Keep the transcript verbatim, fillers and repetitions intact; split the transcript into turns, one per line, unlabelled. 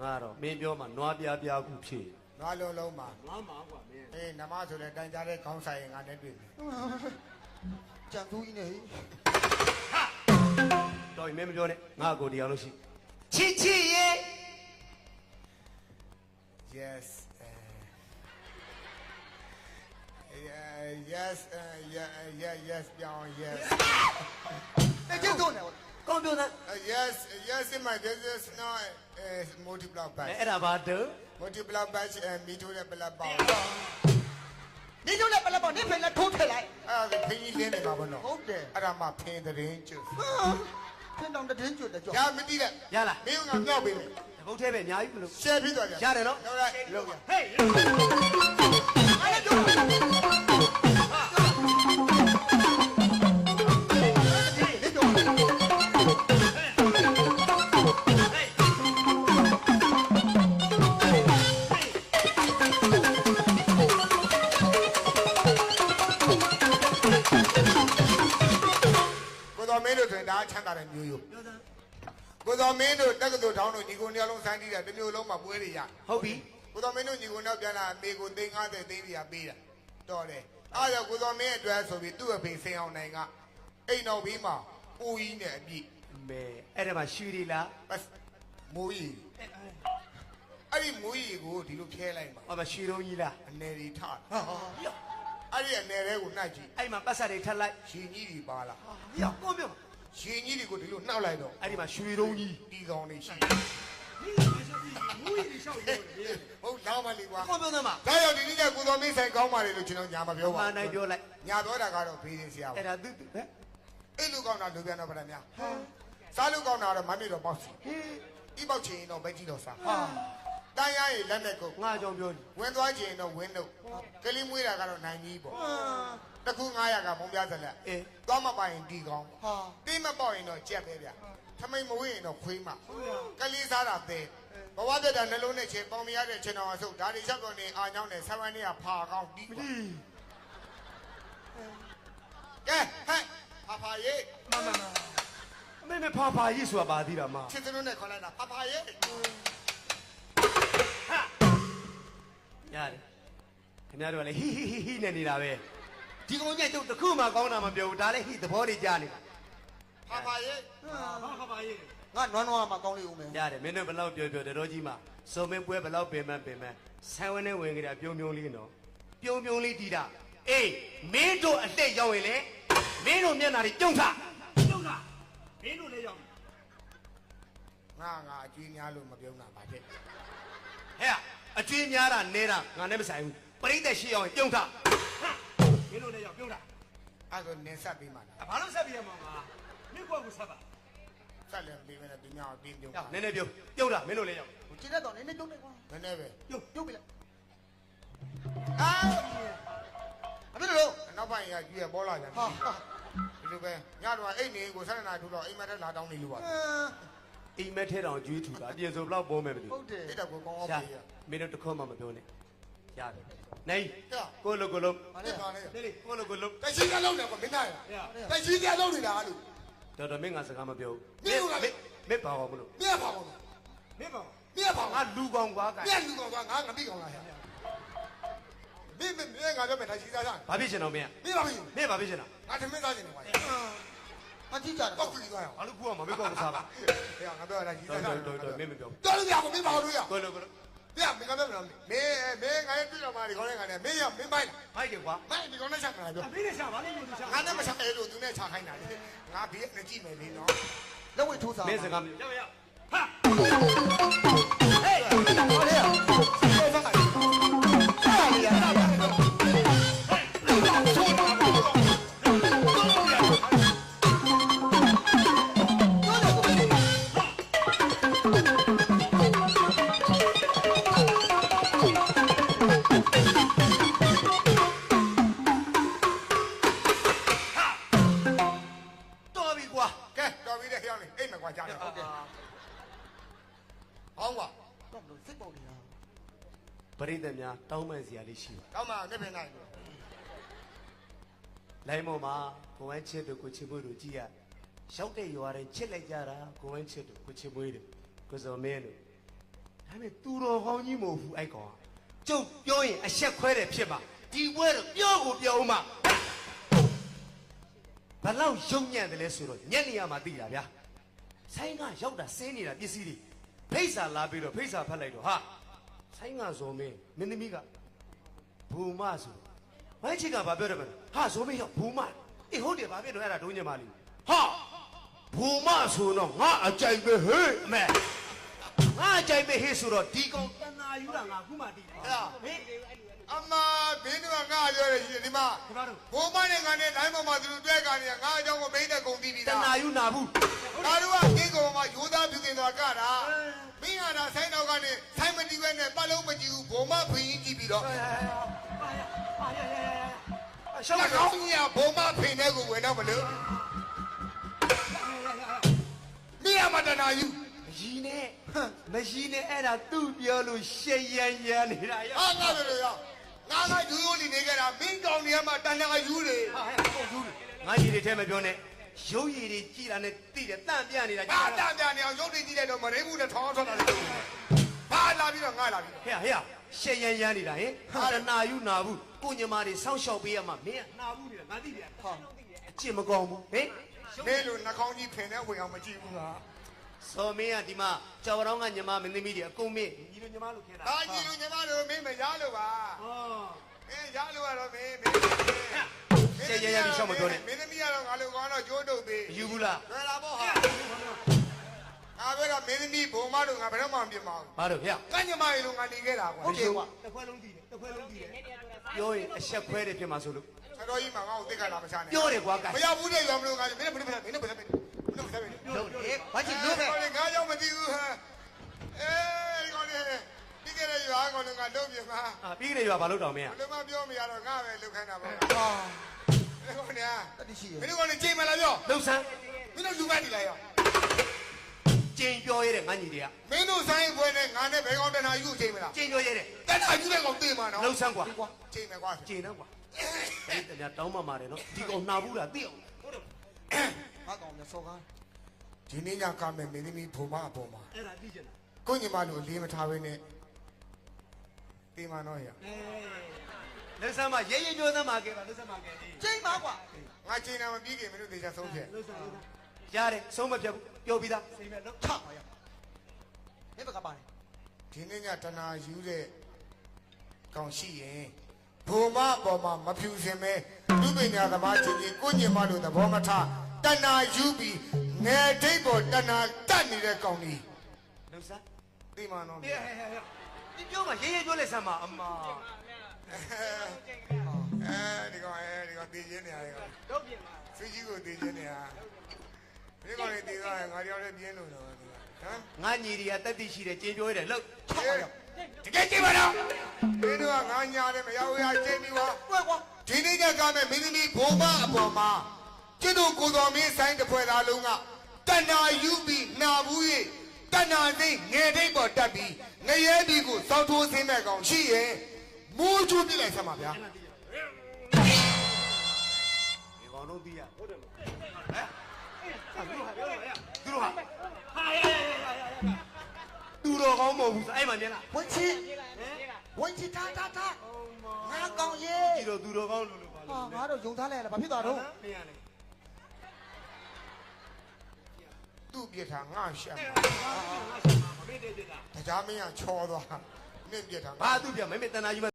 ငါတော့မင်းပြောမှနွားပြားပြားခုဖြစ်
နွားလုံးလုံးမှာ
နွားမှာကွာမင်း
အေးနမဆိုလဲတိုင်ကြတဲ့ခေါင်းဆိုင်ငါနဲ့တွေ့ပြီ
ကြံသူကြီးနဲ့
ဟာတော်ရင်မင်းမပြောနဲ့ငါကိုတရားလို့ရှိချစ်ချစ်ရေ
yes yes yes yes ပြောင်း yes
တကယ်တော့နေ
ကောင်းပြောသား
yes yes in my business now multiply by
အဲ့ဒါဘာတော့
multiply by မီထိုးတဲ့ပလက်ပေါင်း
နေတို့လည်းပလက်ပေါင်းနေဖယ်လက်ထိုးထည့်လိုက်
အဲ့ဒါခင်းကြီးလင်းနေပါဘောနော်
ဟုတ်တယ်
အဲ့ဒါမှဖင်းသတင်းကျွတ်
ဖင်းတောင်တင်းကျွတ်တယ်ကြော
ရမသိတဲ့
ရလား
မင်းကငေါ့ပေးမယ်
ဘုတ်သေးပဲအများကြီးမလို့
share ပြီးသွားကြ
ရတယ်နော်
ဟုတ်လားလောက်ရ
ဟေး
အဲ့ဒါ
မင်းတို့ဆိုရင်ဒါချမ်းသာတဲ့မျိုးရိုးကိုတော်မင်းတို့တက္ကသိုလ်ထောင်းတို့ညီကိုနှစ်ယောက်လုံးစမ်းကြည့်တယ်တစ်မျိုးလုံးမှာပွဲတွေရ
ဟုတ်ပြီ
ကိုတော်မင်းတို့ညီကိုနောက်ပြန်လာအမေကိုသိန်း50သိန်းပြပေးတာတော်တယ်အားကြောင့်ကိုတော်မင်းအတွက်ဆိုပြီးသူ့အဖေဆင်အောင်နိုင်ကအိမ်တော်ဘေးမှာပူကြီးနဲ့အပြည့်
မဲအဲ့ဒါမှရွှေရီလား
မိုးကြီးအဲ့ဒီမိုးကြီးကိုဒီလိုဖျဲလိုက်မှာ
ဟောမရွှေတုံးကြီးလား
အနေတွေထတာအဲ့ဒီအနေတွေကိုနှိုက်ကြည့်
အဲ့မှာပတ်ဆက်တွေထက်လိုက်
ရှင်ကြီးတွေပါလား
ရောက်ကောင်းပြော
ရှင်ကြီးတွေကိုဒီလိုနှောက်လိုက်တော့
အဲ့ဒီမှာရွှေတုံးကြီး
တီကောင်တွေရှိ
မူးရီရှောက်ပြောတယ်
ဟုတ်လာပါလေကွာ
ကောင်းပြောသမ်းပါ
ဒါရောက်ဒီနေ့ကကိုတော်မင်းဆိုင်ကောင်းပါလေလို့ကျွန်တော်ညာမပြောပါဘူး
မှန်တိုင်းပြောလိုက်
ညာပြောတာကတော့ဘေးရင်ဆရာ
အဲ့ဒါသူဟဲ့
အဲ့လူကောင်းတာလူပြန်တော့ဗလားများဟာစားလူကောင်းတာတော့မမေတော့ပေါ့စီဟေးဤပေါက်ချင်တော့ဘက်ကြီးတော့စားဟာတန်းရရင်လက်နဲ့ကို
ငါကြောင့်ပြော
ဝင်သွားချင်တော့ဝင်းတော့ကလေးမွေးတာကတော့နိုင်ကြီးပေါ့တခု900ကမုံပြဇလက်
အေး
သွားမပိုင်တီကောင်းဟာတိမပေါက်ရင်တော့ကြက်ပဲဗျထမိန်မဝေးရင်တော့ခွေးမကလေးစားတာသေးဘဝပြတ်တာနှလုံးနဲ့ချင်းပေါင်မရတဲ့ချင်းတော်အဆုပ်ဒါတွေချက်တော့နေအာညောင်းနဲ့ဆဝန်းနေကဖာကောင်းတီးကဲဟဲ့ဖာဖာရေး
မမမအမေမဖာဖာရေးဆိုတာပါသေးတာမ
ချစ်စလုံးနဲ့ခေါ်လိုက်တာဖာဖာရေး
ရတယ်ခင်ဗျားတို့ကလည်းဟီဟီဟီဟီနဲ့နေတာပဲဒီကောင်ကြီးတို့တခုမှကောင်းတာမပြောဘူးဒါလည်းဟိသဘောတွေကြားနေတာ
ဖာဖာရေး
ဘာခပါရေး
ငါနွားနွားမှာကောင်းလေးဦးမယ်
ရတယ်မင်းတို့ဘယ်လောက်ပြောပြောတော်ကြီးမှာစုံမင်းပွဲဘယ်လောက်ပင်မပင်မဆန်းဝင်းနဲ့ဝင်ကြတာပြုံပြုံလေးနော်ပြုံပြုံလေးတီးတာအေးမင်းတို့အလက်ရောက်ရင်လေမင်းတို့မျက်နှာတွေပြုံးထား
ပြုံးထားမင်းတို့လည်းရောက်
ငါငါအကျွေးများလို့မပြုံးတာပါတဲ့
ဟဲ့အကျွေးများတာနဲတာငါနဲ့မဆိုင်ဘူးပရိသတ်ရှိအောင်ပြုံးထား
မင်းတို့လည်းရောက်ပြုံးထား
အဲ့ဒါနင်းဆက်ပြီးမှလား
ဘာလို့ဆက်ပြီးရမှာပါမင်းကွက်ကိုဆက်ပါ
ဆက်လည်းပြီးမယ်နဲ့သူများအတင်းပြုံး
တာနည်းနည်းပြုံးပြုံးတာမင်းတို့လည်းရောက်
ကျင်းတဲ့တော့နည်းနည်းပြုံးလိုက်ကွာ
နည်းနည်းပဲ
ပြုံးပြုံးပြီလား
အာ
အမေတို့
နောက်ပိုင်းရကြီးရပေါ်လာကြတယ်ဟာဒီလိုပဲညတော့အိတ်နေကိုဆက်နေနာထူတော့အိမ်မက်ထဲလာတောင်းနေလို့ပါ
အိမ်မက်ထဲတောင်ကျွေးထူတာအပြင်ဆိုဘလောက်ပေါ်မယ်မသိဘူး
ဟုတ်တယ်
အဲ့တော့ကိုကောင်းအောင်ပြေးရ
မင်းတို့တခွမှမပြောနဲ့ရတယ်နိုင်ကိုလိုကိုလို
ဘာလဲဘာလဲ
နေလေကိုလိုကိုလို
တရှိကလုံးနေကွာမင်းသားရတရှိကလုံးနေတာလို့
တော်တော်မင်းငါစကားမပြော
ဘူးမင်းကမင်း
မင်းပါအောင်မလို့
မင်းပါအောင်
မင်းပါ
မင်းပါ
ငါလူကောင်ကွာ
မင်းလူကောင်ကွာငါငါမိကောင်လာရမင်းမင်းငါပြောမယ်တရှိသားစား
ဘာဖြစ်ရှင်တော့မင်း
မင်းပါမင်း
မင်းဘာဖြစ်ရှင်တော့
ငါသမင်းစားရှင်နေကွာ
အကြည့်ကြတယ်
ပောက်ပြီးသွားရအောင်
ဘာလို့ကူအောင်မမေးကောက်စားပါ
ဟဲ့ငါပြောတာရှိသားစား
တော်တော်မင်းမပြော
တော်လို့ရအောင်မင်းပါလို့ရ
ကိုလိုကိုလို
ပြမင်းကပြောမလားမင်းမင်းငါရဲ့တွေ့တော်မှာဒီကောင်းတဲ့ငါနဲ့မင်းရမင်းပိုင်
ဖိုက်တယ်ကွာ
မိုင်းဒီကောင်းနဲ့ချက်မှာပြော
မင်းနဲ့ချက်ဘာလို့လို့ချက်
ငါနဲ့မချက်အဲ့လိုသူနဲ့ချခိုင်းတာလေငါဘေးနဲ့ကြည့်မယ်လေနော်
လက်ဝဲထိုးစား
မင်းစကား
ရောက်ရောက်ဟာ
ဟေးဟောလေဆောဖာဟာလေရ
ပရိသတ်များတောင်းပန်စရာလေးရှိပါ
တောင်းပန်နေပင်နိုင်
လိုင်းမော်မှာကိုဝမ်းချစ်တို့ကိုချစ်မွေးတို့ကြည်ရရောက်တဲ့ရွာတိုင်းချစ်လိုက်ကြတာကိုဝမ်းချစ်တို့ကိုချစ်မွေးတို့ကိုစော်မင်းတို့ဒါမဲ့သူတော်ကောင်းကြီးမဟုတ်ဘူးအဲ့ကောင်ကျုပ်ပြောရင်အဆက်ခွဲတယ်ဖြစ်မှာဒီပွဲတော့ပြောကိုပြောဦးမှာဘလောက်ရုံညံ့တယ်လဲဆိုတော့ညက်နေရမှာသိတာဗျာဆိုင်ကရောက်တာစင်းနေတာပစ္စည်းတွေဖိတ်စာလာပြီးတော့ဖိတ်စာဖတ်လိုက်တော့ဟာဆိုင်ကဇော်မင်းမင်းသမီးကဘူမဆိုဝိုင်းချစ်ကဘာပြောတယ်မလဲဟာဇော်မင်းရောက်ဘူမအေးဟုတ်တယ်ဘာဖြစ်တော့အဲ့ဒါဒုံးညမလေးဟာဘူမဆိုတော့ငါအကြိုက်ပဲဟဲ့အမေငါအကြိုက်ပဲဟဲ့ဆိုတော့ဒီကောင်တနာယူတာငါခုမှတည်တယ်ဟာဟေး
အမဘင်းတို့ကငါပြောရရှိတယ်ဒီမှာဘိုးမနဲ့ငါနဲ့လိုင်းပေါ်မှာသူတို့တွဲကနေငါအကြောင်းကိုမင်းနဲ့ကုန်ပြီးပြီ
တ
လား
နာယူနာဘူး
ငါတို့ကဒီကောင်မှာယူသားပြုတင်သွားကြတာမင်းကသာဆိုင်းတော့ကနေဆိုင်းမတီးပဲနဲ့ပတ်လုံးမကြည့်ဘူးဘိုးမဖိရင်ကြည့်ပြီးတော့
ရှောက်
ငါ
ကော
ကော
င်း
င်းကြီးကဘိုးမဖိတဲ့ကိုဝင်တော့မလို့မင်းကမတနာယူ
ရီနဲ့မရီနဲ့အဲ့ဒါသူ့ပြောလို့ရှေ့ရန်ရန်နေတာရ
ဟာငါပြောလို့ရငါကယူယူလီနေကြတာမင်းကောင်းနေမှာတန်တန်ယူလေ
ဟာဟဲ့ဟုတ်ဘူးငါရီတွေထဲမပြောနဲ့ရုပ်ရည်တွေကြည်တာနဲ့တိတယ်တန့်ပြနေတာ
ငါတန်ပြန်နေအောင်ရုပ်တွေကြည့်လိုက်တော့မရင်းဘူးနဲ့ထောင်းထောင်းတာလေဘာလာပြီးတော့ငါလာပြီး
ဟဲ့ဟဲ့ရှေ့ရန်ရန်နေတာဟင်ဟာနာယူနာဘူးကိုညမာတွေစောင့်ရှောက်ပေးရမှာမင်းကနာဘူးနေတာငါသိတယ်ဟာအကျင့်မကောင်းဘူးဟင်
နေလို့နှာခေါင်းကြီးဖင်တဲ့ဝင်အောင်မကြည့်ဘူးလား
စော်မင်းကဒီမှာကြော်ရောင်းကညမမင်းသမီးတွေအကုန်မင်းညီလိုညမလို့ခဲတာ
ဒါကြီးလူညီမတို့မင်းမရလို့ပါ
ဟော
မင်းရလို့ကတော့မင်းမင်း
ရှေ့ရန်ရန်ပြီးရှောက်မပြောနဲ့
မင်းသမီးကတော့ငါလိုကောင်းတော့ကျိုးတုပ်သေး
ယူဘူးလား
လွယ်လာပေါ့ဟာငါပြောတော့မင်းသမီးဘုံမတို့ငါဘယ်တော့မှမပြစ်မအောင်
ဘာလို့ဟဲ့
ကညမရေလိုငါနေခဲ့တာကွာ
ဟုတ်ကဲ့ကွာ
တစ်ခွက်လုံးတည်တယ်တစ်ခွက်လုံးတည်တယ်
ပြောရင်အဆက်ခွဲတယ်ဖြစ်မှာဆိုလို့
ဆတော်ကြီးမှာငါ့ကိုသိက္ခာလာမချနဲ့
ပြောတယ်ကွာကဲ
မရဘူးတဲ့ရောမလို့ငါမင်းနဲ့ဘယ်နဲ့ဘယ်နဲ့ဘယ်နဲ့ဘယ်နဲ့ဘယ်နဲ့ဘယ်နဲ့
လို့လေ
ဘာချစ်လို့ပဲ
ငါကြောင့်မသိဘူးဟမ်အေးကောင်းနေဒီကနေ့ရွာကောင်းငါလုံးပြမှာ
အာပြီးကြတယ်ရွာဘာလို့တောင်မင်း
ဘယ်လိုမှပြောမရတော့ငါပဲလုတ်ခိုင်းတာပေါ့
ဟာ
ဒီကောင်းနေ
တတိရှိရ
မင်းတို့ကောင်းနေချိန်မလားပြော
လှုပ်ဆန်း
မင်းတို့လူမနေလိုက်ရော
ကျင်ပြောရတဲ့ငါညီတွေက
မင်းတို့ဆိုင်ပွဲနဲ့ငါနဲ့ဘယ်ကောင်းတနာယူချိန်မလား
ကျင်ပြောရတဲ့
တနာယူတဲ့ကောင်သိမှာနော်
လှုပ်ဆန်းကွာ
ချိန်မယ်ကွာ
ကျင်တော့ကွာအဲ့တည်းတောင်းမှမာတယ်နော်ဒီကောင်နှာဘူးလားသိအောင်ဟုတ်တယ်
ငါကောင်မြစောကား
ဒီနေ့ညကမယ်မင်းသမီးဘုံမအပေါ်မှာ
အဲ့ဒါသိချင်တာ
ကိုညီမတို့အလေးမထားဘဲနဲ့တေးမနော်ရ
အေး
လှုပ်ဆန်းမရဲရဲပြောသမ်းမှာကဲပါလှုပ်ဆန်းမှာကဲ
ချိန်ပါကွာ
ငါချိန်တာမပြီးခင်မင်းတို့သေချာဆုံးဖြတ်
လှုပ်ဆောင်လို့
ရတယ်ဆုံးမဖြတ်ဘူးပြောပြီးသား
စိတ်မဲ့လို့
ချပါရနေဘကပါတယ်
ဒီနေ့ညတနာယူတဲ့ကောင်ရှိရင်ဘုံမအပေါ်မှာမဖြူစင်မဲလူပညာသမားချင်းချင်းကိုညီမတို့သဘောမထားတနာယူပြီးငယ်ဒိတ်ပေါ်တနာတတ်နေတဲ့ကောင်ကြီး
လှုပ်ဆန်း
တေးမနော်
ဟဲ့ဟဲ့ဟဲ့ဟဲ့
ဒီပြောမှာရဲရဲပြောလိုက်ဆန်းမှာအမ
အဲဒီကောင်အဲဒီကောင်တည်ခြင်းနေရတယ်ကောင်
တော့ပြင်ပါ
ဆွေးကြီးကိုတည်ခြင်းနေရဒီကောင်လေးတည်သွားရင်ငါတယောက်လေးပြင်းလို့တော့ဟမ်
ငါညီတွေကတက်တိရှိတယ်ကျင်ပြောရတယ်လှုပ်
ချပါရ
တကယ်ကြည့်ပါတော့မင်းတို့ကငါညာတယ်မရောက်ရချင်းပြီးပါ
ကွယ်ကွာ
ဒီနေ့ညကမဲ့မင်းသမီးဘုံမအပေါ်မှာကျွတ်တို့ကိုတော်မင်းဆိုင်တစ်ဖွဲ့သားလုံးကတဏှာယူပြီးနာဘူး၍တဏှာသိငယ်တိတ်ပေါ်တက်ပြီးငရဲဒီကိုစောက်ထိုးဆင်းမဲ့ကောင်ရှိရဲ့မိုးချိုးပြလိုက်ဆမ်းပါဗျာ
ဒီကောင်တို့သိရဟုတ်တယ်မဟမ်
သူတို့ဟာပြောရရ
သူတို့ဟာ
ဟာရရရရရ
သူတော်ကောင်းမဟုတ်ဘူးအဲ့မှာမြင်လား
ဝင်ချီဝင်ချီတာတာတာငါကောင်ရေ
ဒီတော့သူတော်ကောင်းလို့လို့ပါ
ဟာ
လို့
ငါတို့ယုံထားလိုက်ရလားဘာဖြစ်သွားတော့
မင်းရလေ
သူ့ပြစ်ထားငါရှာ
မမေ့တဲ့တဲ့တာ
တရားမင်းကချောသွားနင့်ပြစ်ထား
ဘာသူပြမမေတနာယူ